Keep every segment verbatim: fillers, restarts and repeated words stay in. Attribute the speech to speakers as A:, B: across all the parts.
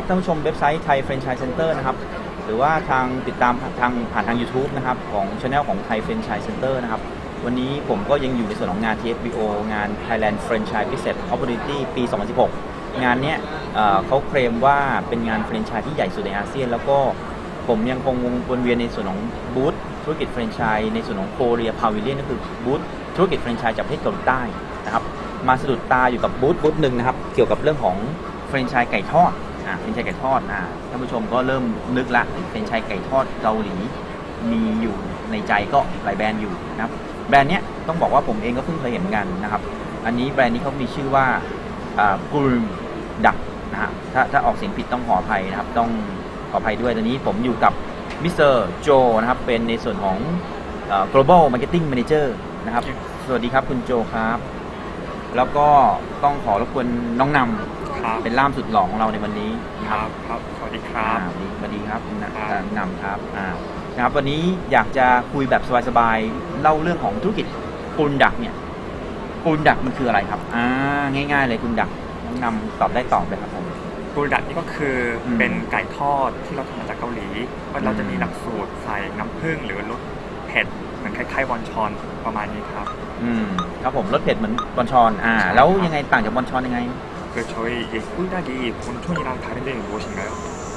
A: ท่านผู้ชมเว็บไซต์ไทยแฟรนไชส์เซ็นเตอร์นะครับหรือว่าทางติดตามทางผ่านทาง YouTube นะครับของ Channel ของไทยแฟรนไชส์เซ็นเตอร์นะครับวันนี้ผมก็ยังอยู่ในส่วนของงาน ที เอฟ บี โอ งาน Thailand Franchise Business Opportunity ปี สองพันสิบหก งานเนี้ยเขาเคลมว่าเป็นงานแฟรนไชส์ที่ใหญ่สุดในอาเซียนแล้วก็ผมยังคงวนเวียนในส่วนของบูธธุรกิจแฟรนไชส์ในส่วนของโคเรียพาวิเลียนก็คือบูธธุรกิจแฟรนไชส์จากประเทศเกาหลีใต้นะครับมาสะดุดตาอยู่กับบูธบูธหนึ่งนะครับเกี่ยวกับเรื่องของแฟรนไชส์ไก่ทอดอ่าแฟรนไชส์ไก่ทอดอ่าท่านผู้ชมก็เริ่มนึกละแฟรนไชส์ไก่ทอดเกาหลีมีอยู่ในใจก็หลายแบรนด์อยู่นะครับแบรนด์เนี้ยต้องบอกว่าผมเองก็เพิ่งเคยเห็นเหมือนกันนะครับอันนี้แบรนด์นี้เขามีชื่อว่ากูรดักนะฮะถ้าถ้าออกเสียงผิดต้องขออภัยนะครับต้องขออภัยด้วยตอนนี้ผมอยู่กับมิสเตอร์โจนะครับเป็นในส่วนของ global marketing manager นะครับสวัสดีครับคุณโจครับแล้วก็ต้องขอรบกวนน้องนำเป็นล่ามสุดหล่อของเราในวันนี้
B: ครับครับสวัสดีครับ
A: สวัสดีครับนำครับนะครับวันนี้อยากจะคุยแบบสบายๆเล่าเรื่องของธุรกิจกูรดักเนี่ยกูรดักมันคืออะไรครับอ่าง่ายๆเลยกูรดักน้องนำตอบได้ตอบเลยครับผม
B: กูรดักนี่ก็คือเป็นไก่ทอดที่เราทำมาจากเกาหลีเราจะมีหลักสูตรใส่น้ำผึ้งหรือรสเผ็ดเหมือนคล้ายๆวอนชอนประมาณนี้ครับ
A: อืมครับผมรสเผ็ดเหมือนวอนชอนอ่าแล้วยังไงต่างจากวอนชอนยังไง
B: 그 저희 이 꿀닭이 본촌이랑 다른 점이 무엇인가요?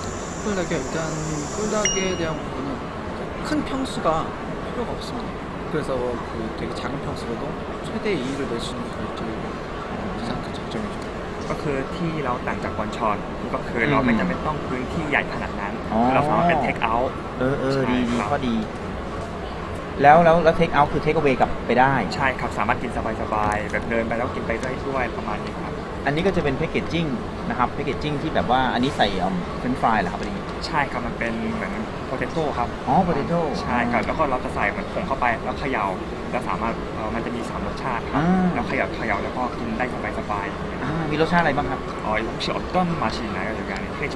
C: 꿀닭이 일단 꿀닭에 대한 부분은 큰 평수가 필요가 없습니다. 그래서 그 되게 작은 평수로도 최대 이익을 낼 수 있는 결정이 가장 큰 장점이죠.
B: ก็คือที่เราต่างจากวอนชอนก็คือเราไม่จำเป็นต้องพื้นที่ใหญ่ขนาดนั้นเราสามารถเป็นเทคเอาท์
A: เออเออดีดีข้อดีแล้วแล้วแล้วเทคเอาท์คือเทคเอาเวกลับไปได้
B: ใช่ครับสามารถกินสบายๆแบบเดินไปแล้วกินไปได้ด้วยประมาณนี้ครับ
A: อันนี้ก็จะเป็นแพคเกจจิ้งนะครับแพคเกจจิ้งที่แบบว่าอันนี้ใส่เฟรนช์ฟรายเหรอครับอันนี้
B: ใช่ครับมันเป็นเหมือนโพเทโต้ครับ
A: อ๋อโพเทโต้
B: ใช่ครับแล้วก็เราจะใส่เหมือนผงเข้าไปแล้วเขย่าแล้วสามารถมันจะมีสามรสชาติครับแล้วเขย่าเขย่าแล้วก็กินได้สบาย
A: ๆมีรสชาติอะไรบ้างครับ
B: อ๋อ혹시 어떤 맛이 있나요 여기 안에 페이지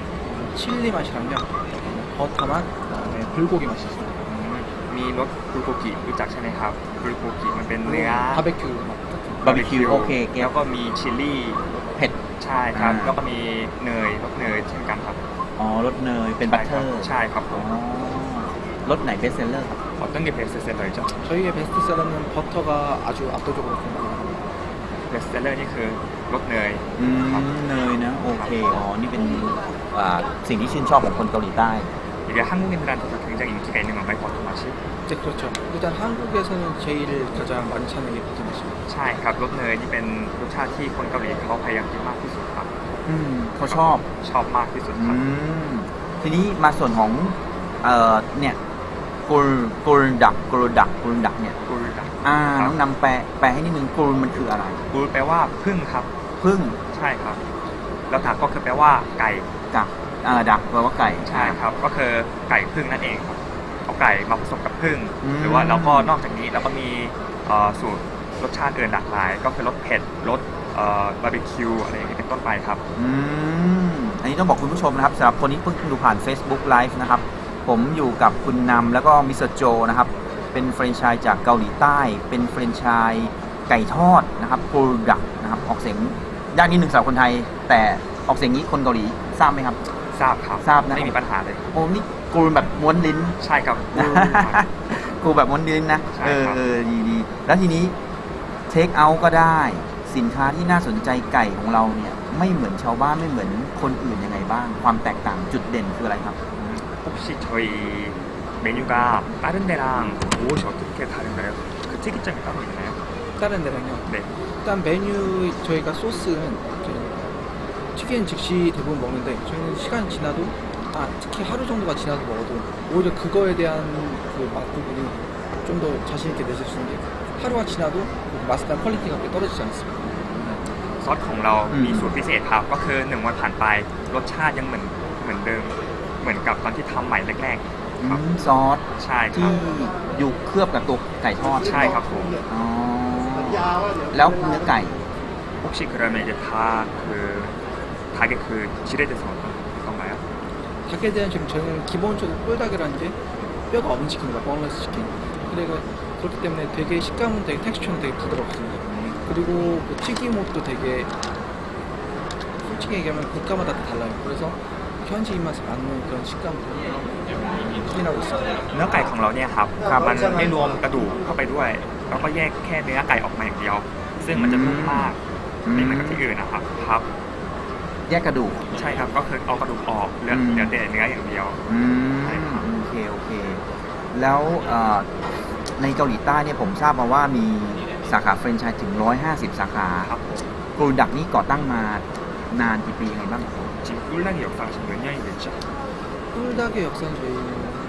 C: 칠리 맛이랑요 버터 맛 그다음에 불고기 맛이 있어요
B: มีรสบุลโกกิรู้จักใช่ไหมครับบุลโกกิมันเป็นเนื้อบ
C: าร์บีคิว
A: บาร์บีคิวโอเค
B: แล้วก็มีชิลลี่
A: เผ็ด
B: ใช่ครับแล้วก็มีเนยรสเนยเช่นกันครับ
A: อ๋อรสเนยเป็นบัตเตอร์
B: ใช่ครับผม
A: รสไหนเบสเซลเลอร์ครับ
B: 어떤 게 베스트셀러이죠?
C: 저희의 베스트셀러는 버터가 아주 압도적으로 생각합니다.
B: 베스트셀러 นี่คือรสเนย
A: อืมเนยนะโอเคอ๋อนี่เป็นสิ่งที่ชื่นชอบของคนเกาหลีใต้
B: 이게 한국인들한테도 굉장히 인기가 있는 건가요, 버터 맛이?
C: 네, 그렇죠. 일단 한국에서는 제일 가장 많이 찾는 게 버터 맛입니다.
B: ใช่ครับรสเนยนี่เป็นรสชาติที่คนเกาหลีเขาพยายามกินมากที่สุดครับ
A: อืมเขาชอบ
B: ชอบมากที่สุดครับ
A: อืมทีนี้มาส่วนของเอ่อเนี่ยกูรกูรดักกูรดักกูรดักเนี่ย
B: กูรดัก
A: อ่าต้องนำแปลแปลให้นิดนึงกูรมันคืออะไร
B: กูรแปลว่าผึ้งครับ
A: ผึ้ง
B: ใช่ครับแล้วดักก็คือแปลว่าไก่
A: ดักอ่าดักแปลว่าไก่
B: ใช่ครับก็คือไก่ผึ้งนั่นเองครับเอาไก่มาผสมกับผึ้งหรือว่าเราก็นอกจากนี้เราก็มีสูตรรสชาติอื่นหลากหลายก็คือรสเผ็ดรสบาร์บีคิวอะไรอย่างนี้เป็นต้นไปครับ
A: อืมอันนี้ต้องบอกคุณผู้ชมนะครับสำหรับคนที่เพิ่งดูผ่าน Facebook Live นะครับผมอยู่กับคุณนำแล้วก็มิสเตอร์โจนะครับเป็นแฟรนไชส์จากเกาหลีใต้เป็นแฟรนไชส์ไก่ทอดนะครับกูรดักนะครับออกเสียงยากนิดหนึ่งสำหรับคนไทยแต่ออกเสียงนี้คนเกาหลีทราบไหมครับ
B: ทราบครับ
A: ทราบนะ
B: ไม่มีปัญหาเลย
A: โอ้นี่กูแบบม้วนลิ้น
B: ใช่ครับ
A: กูแบบม้วนลิ้นนะเออเออดีดีแล้วทีนี้เทคเอาท์ก็ได้สินค้าที่น่าสนใจไก่ของเราเนี่ยไม่เหมือนชาวบ้านไม่เหมือนคนอื่นยังไงบ้างความแตกต่างจุดเด่นคืออะไรครับ
B: 혹시 저희 메뉴가 다른 데랑 무엇이 어떻게 다른가요? 그 특이점이 따로 있나요?
C: 다른 데랑요?
B: 네.
C: 일단 메뉴 저희가 소스는 튀긴 즉시 대부분 먹는데 저희는 시간 지나도 아 특히 하루 정도가 지나도 먹어도 오히려 그거에 대한 그 맛 부분이 좀 더 자신 있게 내실 수 있는 게 하루가 지나도 맛이나 퀄리티가 그렇게 떨어지지 않습니다.
B: ซอสของเรามีสูตรพิเศษครับก็คือหนึ่งวันผ่านไปรสชาติยังเหมือนเหมือนเดิมเหมือนกับตอนที่ทำใหม่แรกๆครับ
A: ซอส
B: ใช่
A: ที่อยู่เคลือบกับตัวไก่ทอด
B: ใช่ครับผม
A: อ๋อแล้วเนื้อไก่
B: 혹시 그러면 이제 다그 닭의 그 질에 대해서 어떤 건가요?
C: 닭에 대한 지금 저는 기본적으로 꿀닭이라는 게 뼈가 없는 치킨입니다. boneless 치킨. 그리고 그렇기 때문에 되게 식감은 되게 텍스처는 되게 부드럽습니다. 그리고 뭐 튀김옷도 되게 솔직히 얘기하면 국가마다 다 달라요. 그래서 현지 입맛에 맞는 그런 식감으로 추진하고 있습니다.
B: เนื้อไก่ของเราเนี่ยครับ
A: ครับ
B: มันไม่รวมกระดูกเข้าไปด้วยเราก็แยกแค่เนื้อไก่ออกมาอย่างเดียว ซึ่งมันจะนุ่มมาก
A: อืม
B: ไม่เหมือนกับที่อื่นนะครับครับ
A: แยกกระดูก
B: ใช่ครับก็คือเอากระดูกออกเหลือ
A: อืม
B: เหลือแต่เนื้ออย่างเดียว
A: อื
B: ใช่ครับ
A: มโอเคโอเค แล้วเอ่อในเกาหลีใต้เนี่ยผมทราบมาว่ามีสาขาแฟรนไชส์ถึง หนึ่งร้อยห้าสิบ สาขา
B: ครับผม
A: โปรดักนี้ก่อตั้งมานานกี่ปียังไงบ้างครับ
B: 지금 꿀락이 역사가 지금 몇 년이 됐죠?
C: 꿀닭의 역사는 저희는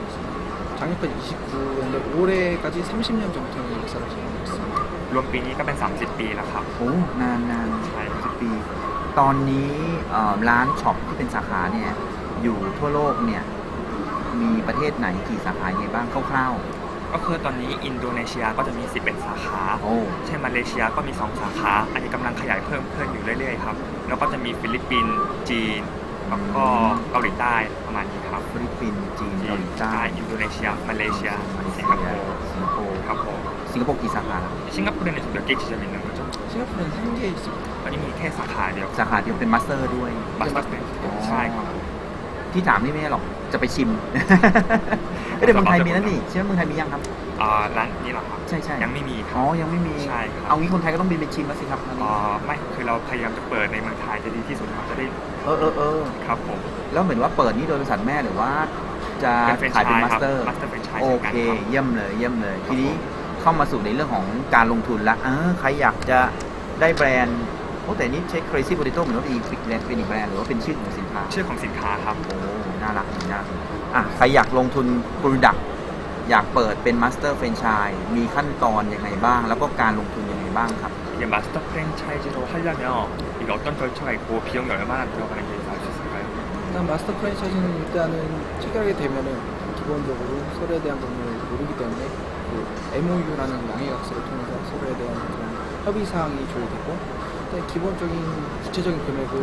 C: 작년까지 이십구 년인데 올해까지 삼십 년 정도 역사를 지니고 있습니다.
B: รวมปีนี้ก็เป็น สามสิบ ปีแล้วครับ
A: โอ้นานนาน
B: ใช่
A: สิบปี ตอนนี้เอ่อร้านช็อปที่เป็นสาขาเนี่ยอยู่ทั่วโลกเนี่ยมีประเทศไหนกี่สาขายังไงบ้างคร่าว
B: ก็คือตอนนี้อินโดนีเซียก็จะมีสิบเอ็ดสาขา
A: ๆโอ้
B: เช่นมาเลเซียก็มี สอง สาขา อันนี้กำลังขยายเพิ่มขึ้นอยู่เรื่อยๆครับ แล้วก็จะมีฟิลิปปินส์ จีน แล้วก็เกาหลีใต้ประมาณนี้ครับ
A: ฟิลิปปินส์จีนเกาหลีใต้
B: อินโดนีเซีย มาเลเซีย
A: มาเลเซี
B: สิ
A: ย
B: งคโปร์
A: สิงคโปร์
B: ครับผม
A: สิงคโปร์กี่สาขาแล้ว
B: 싱가포르는 지금 몇 개 지점이 있는 거죠?
C: 싱가포르는 한 개 있습니다.
B: ตอนนี้มีแค่สาขาเดียว
A: สาขาเดียวเป็นมาสเตอร์ด้วย
B: บัสบัสเนใช่ครับ
A: ที่ถามนี่ไม่ใช่หรอกจะไปชิม เอ้ยแต่เมืองไทยมีแล้วนี่ใช่ไหมเมืองไทยมียังครับ
B: อ่าร้านนี้เหรอครับ
A: ใช่ใช่
B: ยังไม่มีครั
A: อ๋อบ ยังไม่มี
B: ใช่ครับ
A: เอางี้คนไทยก็ต้องบินไปชิมแล้วสิครับอันนี้
B: อ่าไม่คือเราพยายามจะเปิดในเมืองไทยจะดีที่สุดครับจะได้
A: เออเออเออ
B: ครับผม
A: แล้วเหมือนว่าเปิดนี่โดยบริษัทแม่หรือว่าจะ
B: เป็นแฟรน
A: ขาย
B: ไช
A: เป็น
B: ส์
A: มา
B: ค
A: ส
B: รับ
A: เตอร์
B: มาสเตอร์แฟรนไชส์
A: โอ
B: เช่นกัน
A: เค
B: ครับ
A: เยี่ยมเลยเยี่ยมเลย
B: ครับ
A: ทีนี้เข้ามาสู่ในเรื่องของการลงทุนละเออใครอยากจะได้แบรนด์โอ้แต่นี่ใช้ Crazy Potato เหมือนว่าเป็นอีกแบรนด์เป็นอีกแบรนด์หรือว่าเป็นชื่อของสินค้า
B: ชื่อของสินค้าครับ
A: โอ้ น่ารักน่ารักอ่ะ ใครอยากลงทุน Product อยากเปิดเป็น Master Franchise มีขั้นตอนยังไงบ้าง แล้วก็การลงทุนยังไงบ้างครับ
B: 이게 마스터 프랜차이즈로 하려면 이게 어떤 절차가 있고 비용이 얼마나 들어가는지 알 수 있을까요?
C: 일단 마스터 프랜차이즈는 일단은 체결하게 되면은 기본적으로 서로에 대한 부분을 모르기 때문에 그 엠오유라는 양해각서를 통해서 서로에 대한 그런 협의 사항이 조율되고 일단 기본적인 구체적인 금액은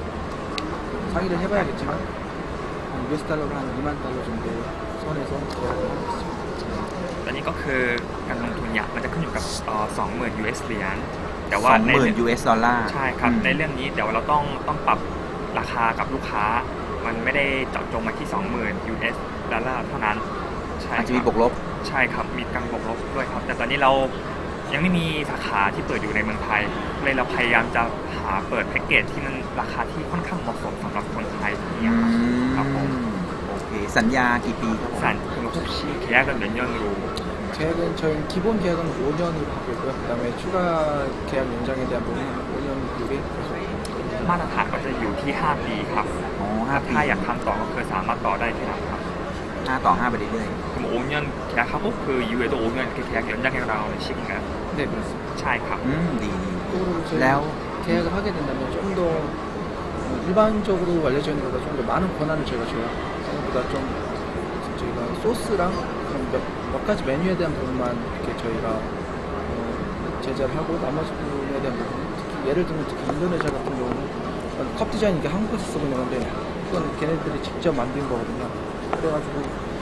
C: 상의를 해봐야겠지만 한 유에스 달러로 한 이만 달러 정도 선에서 계약을 하고 있습니다.
B: ตอนนี้ก็คือการลงทุนเนี่ยมันจะขึ้นอยู่กับสองหมื่นยูเอสเหรียญแต่ว่าใน
A: สองหมื่น ยู เอส ดอลลาร์
B: ใช่ครับ
A: อืม
B: ในเรื่องนี้เดี๋ยวเราต้องต้องปรับราคากับลูกค้า มันไม่ได้เจาะจงมาที่ สองหมื่น ยู เอส ดอลลาร์เท่านั้นใช่
A: อาจจะ
B: ค
A: มี
B: รั
A: บวกลบ
B: ใช่ครับมีการบวกลบด้วยครับ แต่ตอนนี้เรายังไม่มีสาขาที่เปิดอยู่ในเมืองไทยเลยเราพยายามจะหาเปิดแพ็กเกจที่มันราคาที่ค่อนข้างเหมาะสมสำหรับคนไทยอย่าง
A: อื
B: เงี้ยครับ
A: ม
B: ครับผม
A: โอเค สัญญากี่ปีครับผม
B: 산 그럼 혹시 계약은 몇 년으로
C: 계약은 저희 기본 계약은 오 년으로 하고 있고요. 그다음에 추가 계약 연장에 대한 부분은 오 년 뒤에
B: มาตรฐานก็จะอยู่ที่ ห้า ปีครับ
A: อ๋อห้าปี
B: ถ้าอยากทำต่อก็คือสามารถต่อได้ที่ไหนครับ
A: ห้าต่อห้าไปเรื่อย
B: 그럼 오 년 계약하고 그 이후에도 오 년 이렇게 계약 연장해 나가는 식인가요?
C: 네 그렇습니다.
B: ใช่ครับ
A: ๆอืม ดีดี
C: 쪽으로 저희
A: แล้ว
C: 계약을 하게 된다면 좀 더 일반적으로 알려져 있는 것보다 좀 더 많은 권한을 저희가 줘요. 생각보다 좀 저희가 소스랑 그런 몇, 몇 가지 메뉴에 대한 부분만 이렇게 저희가 어, 제작을 하고 나머지 부분에 대한 부분 특히 예를 들면 특히 인도네시아 같은 경우는 컵 디자인 이게 한국에서 쓰고 있는 건데 그건 걔네들이 직접 만든 거거든요. 그래가지고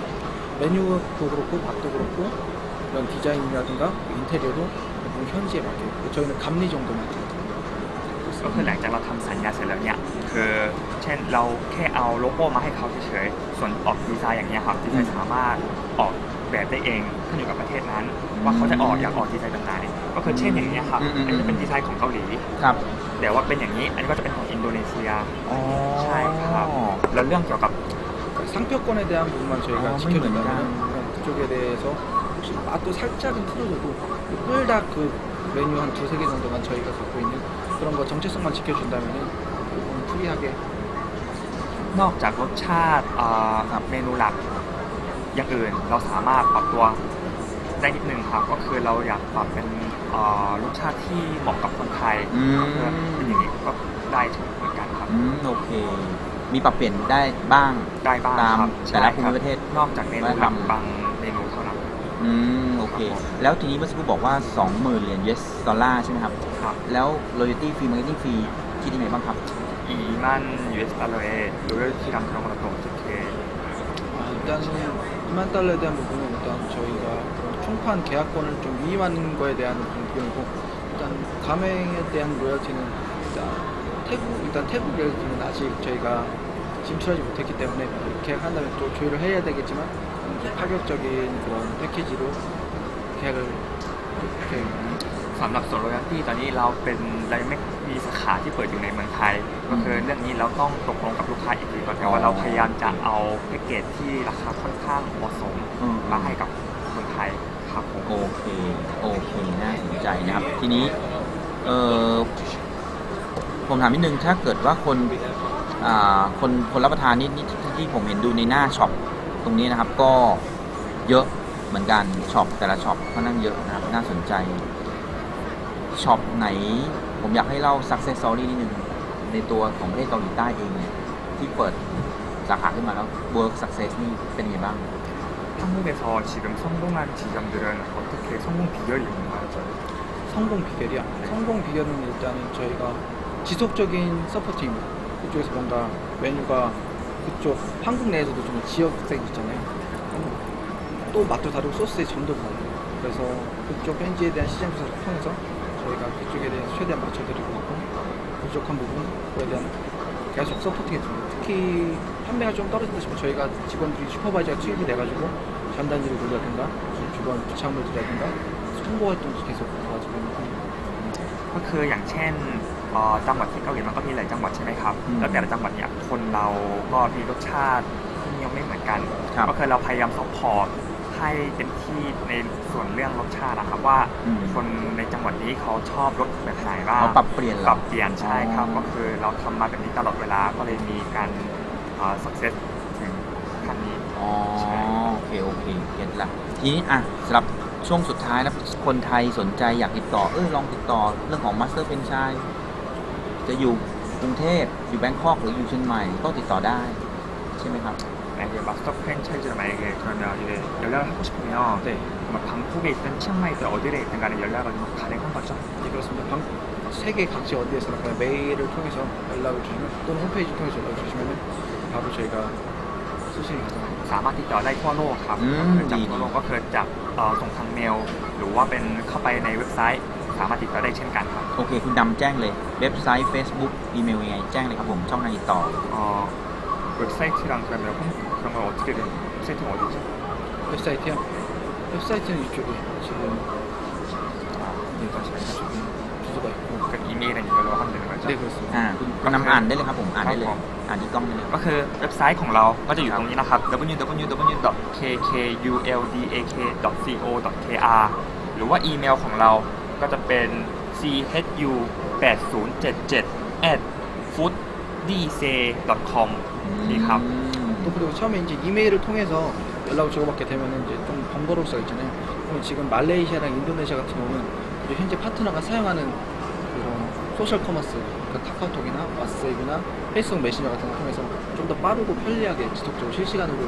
C: 메뉴도 그렇고 밥도 그렇고 이런 디자인이라든가 인테리어도 대부분 현지에 맡겨요. 저희는 감리 정도만
B: ก็คือหลังจากเราทำสัญญาเสร็จแล้วเนี่ยคือเช่นเราแค่เอาโลโก้มาให้เขาเฉยๆส่วนออกดีไซน์อย่างเงี้ยครับดีไซน์สามารถออกแบบได้เองขึ้นอยู่กับประเทศนั้น ว่าเขาจะออกอยากออกดีไซน์แบบไหนก็คือเช่นอย่างเงี้ยครับ
A: อืมอืม
B: อันนี้จะเป็นดีไซน์ของเกาหลี
A: ครับ
B: แต่ว่าเป็นอย่างนี้ อันนี้ก็จะเป็นของอินโดนีเซีย
A: อ๋อ
B: ใช่ครับแล้วเรื่องเกี่ยวกับ
C: 상표권에 대한 부분만 저희가
A: 아,
C: 지켜준다면 그쪽에 대해서 혹시 맛도 살짝은 틀어져도 꿀닭 그 메뉴 한 두세 개 정도만 저희가 갖고 있는 그런 거 정체성만 지켜준다면 조금 프리하게
B: นอกจากรสชาติอ่าเมนูหลักอย่างอื่นเราสามารถปรับตัวได้นิดนึงครับก็คือเราอยากปรับเป็นอ่ารสชาติที่เหมาะกับคนไทย
A: อืม
B: ก็คือเป็นอย่างนี้ก็ได้เหมือนกันครับ
A: อืม โอเค มีปรับเปลี่ยนได้บ้าง
B: ได้บ้าง
A: ตาม
B: ครับ
A: แต่ละ
B: ใช่
A: ภู
B: ครั
A: มิ
B: บ
A: ประเทศ
B: นอกจากเมนูหลักบางเมนูเท่านั้น
A: อืม โอเค แล้วทีนี้เมื่อสักครู่บอกว่า สองหมื่น เหรียญ ยู เอส ดอลลาร์ใช่ไหมครับ
B: ครับ
A: แล้ว royalty fee marketing fee คิดยังไงบ้างครับ
B: 이만 유에스 달러의 로열티랑 그런 건 또 어떻게
C: 아, 일단은 이만 달러에 대한 부분은 일단 저희가 총판 계약권을 좀 위임하는 거에 대한 부분이고 일단 가맹에 대한 로열티는 일단 태국 일단 태국 예술은 아직 저희가 진출하지 못했기 때문에 계약한다면 또 조율을 해야 되겠지만 좀 파격적인 그런 패키지로 계약을 이렇게
B: สำหรับส่วน royalty ตอนนี้เราเป็นเรายังไม่มีสาขาที่เปิดอยู่ในเมืองไทย ก็คือเรื่องนี้เราต้องตกลงกับลูกค้าอีกทีก่อนแต่ว่าเราพยายามจะเอาแพ็กเกจที่ราคาค่อนข้างเหมาะสม
A: อืม
B: มาให้กับคนไทยครับผม
A: โอเค โอเค น่าสนใจนะครับ ทีนี้ เออผมถามนิดนึง ถ้าเกิดว่าคน อ่า คน คนรับประทานนี่นี่ที่ที่ผมเห็นดูในหน้าช็อปตรงนี้นะครับ ก็เยอะเหมือนกัน ช็อปแต่ละช็อปค่อนข้างเยอะนะครับ น่าสนใจ ช็อปไหน ผมอยากให้เล่า success story นิดนึง ในตัวของประเทศเกาหลีใต้เองเนี่ย ที่เปิดสาขาขึ้นมาแล้ว work success นี่เป็นไงบ้าง
B: 한국에서 지금 성공한 지점들은 어떻게 성공 비결이 있는가요?
C: 성공 비결이요. 성공 비결은 일단은 저희가 지속적인 서포트입니다. 그쪽에서 뭔가 메뉴가 그쪽 한국 내에서도 좀 지역색 있잖아요. 또 맛도 다르고 소스의 점도 다르고 그래서 그쪽 현지에 대한 시장 조사를 통해서 저희가 그쪽에 대해서 최대한 맞춰드리고 있고 부족한 부분에 대한 계속 서포팅해줍니다. 특히 판매가 좀 떨어진다 싶으면 저희가 직원들이 슈퍼바이저가 투입이 돼가지고 전단지를 돌려든가 주변 부착물들이라든가 홍보 활동도 계속 도와주고 있는 편입니다.
B: ก็คืออย่างเช่นเอ่อจังหวัดที่เกาหลีมันก็มีหลายจังหวัดใช่ไหมครับ
A: อืม
B: แล้วแต่ละจังหวัดเนี่ยคนเราก็มีรสชาติที่นิยมไม่เหมือนกัน
A: ครับ
B: ก็คือเราพยายามซัพพอร์ตให้เต็มที่ในส่วนเรื่องรสชาตินะครับว่า
A: อืม
B: คนในจังหวัดนี้เขาชอบรสแบบไหนบ้าง
A: เราปรับเปลี่ยนเหรอ
B: ปรับเปลี่ยนใช่ครับ
A: อ๋อ
B: ก็คือเราทำมาแบบนี้ตลอดเวลาก็เลยมีการเอ่อ success ถึงขั้นนี้
A: อ๋อ
B: ใช่
A: โอเค โอเค เก็ตละ ทีนี้อ่ะสำหรับช่วงสุดท้ายแล้วคนไทยสนใจอยากติดต่อ เออลองติดต่อเรื่องของ Master Franchise จะอยู่กรุงเทพอยู่แบงคอกหรืออยู่เชียงใหม่ก็ติดต่อได้ ใช่ไหมครับ
B: 네, 이제 마스터 프랜차이즈를 만약에 그러면 이제 연락을 하고 싶으면
C: 네,
B: 막 방콕에 있든 치앙마이 있든 어디에 있든 간에 연락을 좀 가능한 거죠?
C: 네 그렇습니다. 방, 세계 각지 어디에서나 그냥 메일을 통해서 연락을 주시면 또는 홈페이지 통해서 연락을 주시면 바로 저희가 수신이 가능합니다.
B: สามารถติดต่อได้ทั่วโลกครับ
A: อืม
B: ก็คือจาก
A: ดี
B: ทั่วโลกก็คือจากเอ่อส่งทางเมล หรือว่าเป็นเข้าไปในเว็บไซต์ สามารถติดต่อได้เช่นกันครับ
A: โอเค คุณดำแจ้งเลย เว็บไซต์ Facebook อีเมลยังไง แจ้งเลยครับผม ช่องทางติดต่อ
B: 어, 웹사이트랑 그러면 홈, 그런 건 어떻게 된 웹사이트는 어디죠?
C: 웹사이트요? 웹사이트는 이쪽에 지금 네,
B: 다시 알려주세요.
C: 주소가 있고
B: 그 이메일은 이걸로 하면 되는 거죠?
C: 네 그렇습니다.
A: อ่าคุณคุณนำอ่านได้เลยครับผม อ่านได้เลย
B: ครับผม
A: อ่านที่กล้องได้เลย
B: ก็คือเว็บไซต์ของเราก็จะอยู่ตรงนี้นะครับ ดับเบิลยู ดับเบิลยู ดับเบิลยู ดอท เค เค ยู แอล ดี เอ เค ดอท ซี โอ ดอท เค อาร์ หรือว่าอีเมลของเราก็จะเป็น ซี เอช ยู แปด ศูนย์ เจ็ด เจ็ด แอท ฟู้ดดีเซ ดอท คอม นี่ครับ
A: อืม
C: 또 그리고 처음에 이제 이메일을 통해서 연락을 주고받게 되면은 이제 좀 번거로울 수가 있잖아요. 그럼 지금 말레이시아랑 인도네시아 같은 경우는 이제 현재 파트너가 사용하는 그런 소셜 커머스, 그 카카오톡이나 왓츠앱이나 페이스북 메신저 같은 걸 통해서 좀 더 빠르고 편리하게 지속적으로 실시간으로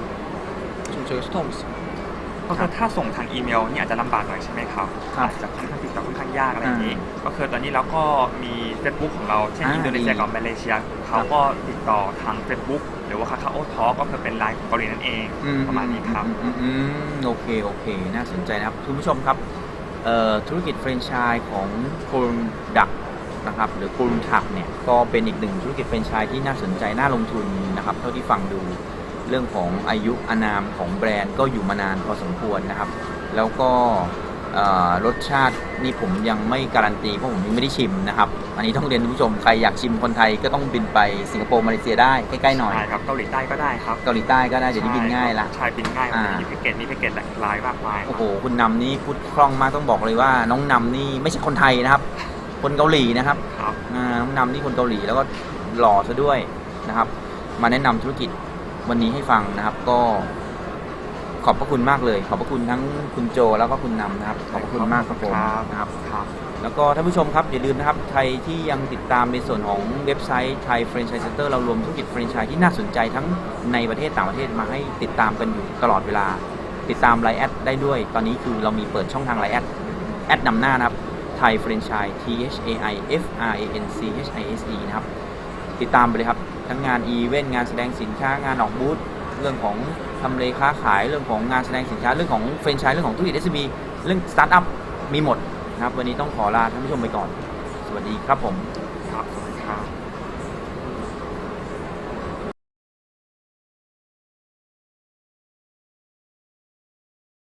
C: 좀 저희가 소통하고 있습니다.
B: ก็คือถ้าส่งทางอีเมลเนี่ยอาจจะลำบากหน่อยใช่ไหมครับ
A: ครับ
B: อาจจะค่อนข้างติดต่อค่อนข้างยากอะไรอย่างนี้ ก็คือตอนนี้เราก็มี Facebook ของเราเช่น
A: อ่า
B: อินโดนีเซีย
A: ดี
B: กับมาเลเซียเขาก็ติดต่อทาง Facebook หรือว่าคาคาโอทอก็คือเป็นไลน์ของเกาหลีนั่นเอง
A: อืม
B: ประมาณนี้ครับ
A: อืมอืมอืมโอเค โอเค น่าสนใจนะครับ คุณผู้ชมครับเอ่อธุรกิจแฟรนไชส์ของโคลุมดักนะครับ หรือโคลุมทักเนี่ย ก็เป็นอีกหนึ่งธุรกิจแฟรนไชส์ที่น่าสนใจ น่าลงทุนนะครับ เท่าที่ฟังดูเรื่องของอายุอานามของแบรนด์ก็อยู่มานานพอสมควรนะครับ แล้วก็เอ่อรสชาตินี่ผมยังไม่การันตีเพราะผมยังไม่ได้ชิมนะครับ อันนี้ต้องเรียนคุณผู้ชม ใครอยากชิมคนไทยก็ต้องบินไปสิงคโปร์มาเลเซียได้ใกล้ๆหน่อย
B: ใช่ครับเกาหลีใต้ก็ได้ครับ
A: เกาหลีใต้ก็ได้เดี๋ยวนี้บินง่ายละ
B: ใช่บินง่าย
A: อ่า
B: มีแพ็กเกจมีแพ็กเกจหลากหลายมากมาย
A: โอ้โห คุณนำนี่พูดคล่องมากต้องบอกเลยว่า น้องนำนี่ไม่ใช่คนไทยนะครับ คนเกาหลีนะครับ
B: ครับ
A: อ่าน้องนำนี่คนเกาหลีแล้วก็หล่อซะด้วยนะครับ มาแนะนำธุรกิจวันนี้ให้ฟังนะครับ ก็ขอบพระคุณมากเลย ขอบพระคุณทั้งคุณโจแล้วก็คุณนำนะครับ ขอบพระคุณมากครับผม
B: ครับ
A: นะครับ
B: ครับ
A: แล้วก็ท่านผู้ชมครับอย่าลืมนะครับใครที่ยังติดตามในส่วนของเว็บไซต์ไทยแฟรนไชส์เซ็นเตอร์เรารวมธุรกิจแฟรนไชส์ที่น่าสนใจทั้งในประเทศต่างประเทศมาให้ติดตามกันอยู่ตลอดเวลา ติดตามไลน์แอดได้ด้วย ตอนนี้คือเรามีเปิดช่องทางไลน์แอดแอดนำหน้านะครับไทยแฟรนไชส์ T H A I F R A N C H I S E นะครับติดตามไปเลยครับทั้งงานอีเวนต์งานแสดงสินค้างานออกบูธเรื่องของทำเลค้าขายเรื่องของงานแสดงสินค้าเรื่องของแฟรนไชส์เรื่องของธุรกิจ เอส เอ็ม อี เรื่องสตาร์ทอัพมีหมดนะครับวันนี้ต้องขอลาท่านผู้ชมไปก่อน สวัสดีครับผม
B: ครับสวัสดีครับ